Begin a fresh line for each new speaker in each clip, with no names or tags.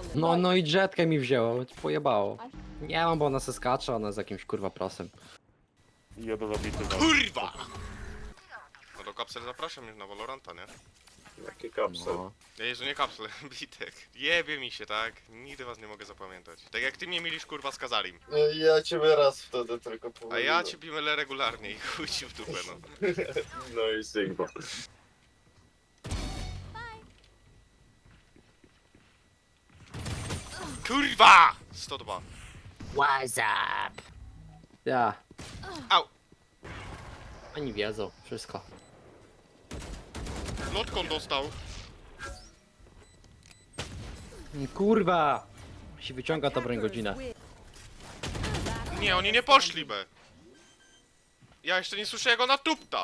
No i jetkę mi wzięło, pojebało. Nie mam, bo ona se skacze, ona jest jakimś kurwa prosem.
Jeden zabity.
Kurwa! No to kapsel zapraszam już na Valoranta, nie?
Jaki kapsel.
No.
Ej, że nie kapsel, bitek. Jebie mi się, tak? Nigdy was nie mogę zapamiętać. Tak jak ty mnie mielisz kurwa z Kazarim.
Ja ciebie raz wtedy tylko
A
pomyliłem.
ja cię bimele regularnie i chuj ci w dupę, no.
No i Sigma.
Kurwa! 102.
What's up? Ja.
Au!
Oni wiedzą, wszystko.
Lotką dostał.
Kurwa! Się wyciąga to broń godzinę.
Nie, oni nie poszli, be. Ja jeszcze nie słyszę jak ona tupta.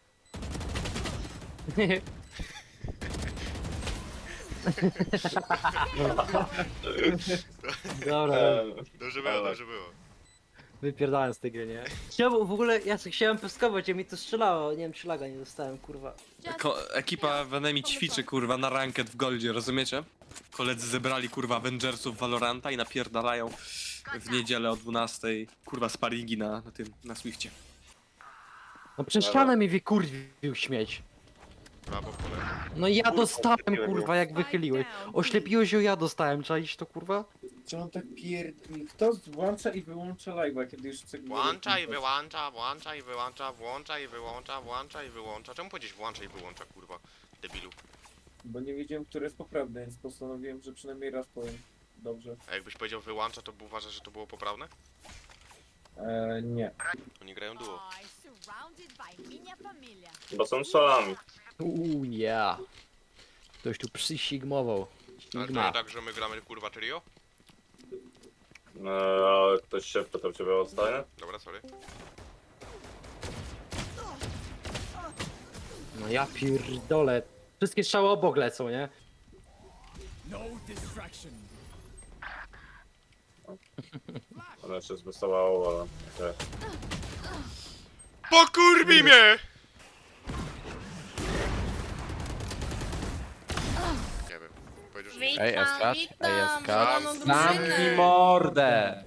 Dobra,
Dobrze było, dobrze było.
wypierdałem z tej gry, nie? Chciałbym, w ogóle ja sobie chciałem pyskować, a mi to strzelało, nie wiem czy laga nie dostałem, kurwa.
Ekipa w Enemy ćwiczy kurwa na ranked w Goldzie, rozumiecie? Koledzy zebrali kurwa Avengersów Valoranta i napierdalają w niedzielę o 12 kurwa sparingi na Swifcie.
No przez ścianę mi wykurwił śmieć.
Brawo, kolega.
No ja
Kurwa,
dostałem,
wychyliłem
kurwa, jak wychyliłeś. Oślepiłeś ją, ja dostałem, czaisz to, kurwa?
Czy on tak Kto włącza i wyłącza live'a, kiedy już chce...
Włącza i wyłącza, włącza i wyłącza, włącza i wyłącza, włącza i wyłącza. Czemu powiedzieć włącza i wyłącza, kurwa? Debilu.
Bo nie wiedziałem, które jest poprawne, więc postanowiłem, że przynajmniej raz powiem. Dobrze.
A jakbyś powiedział wyłącza, to uważasz, że to było poprawne?
Nie.
Oni grają duo.
Bo są szalami.
Yeah. Ktoś tu przysigmował.
Ale to
Sigma.
nie tak, że my gramy kurwa trio?
A ktoś się pytał ciebie o zdanie?
Dobra, sorry.
No ja pierdolę. Wszystkie strzały obok lecą, nie?
Ona się zwysowało, ale... okej.
POKURWI MIE! Nie wiem. Powiedział, że nie.
Ej, Eskacz, ej, Eskacz.
Zamknij
Zamknij mordę!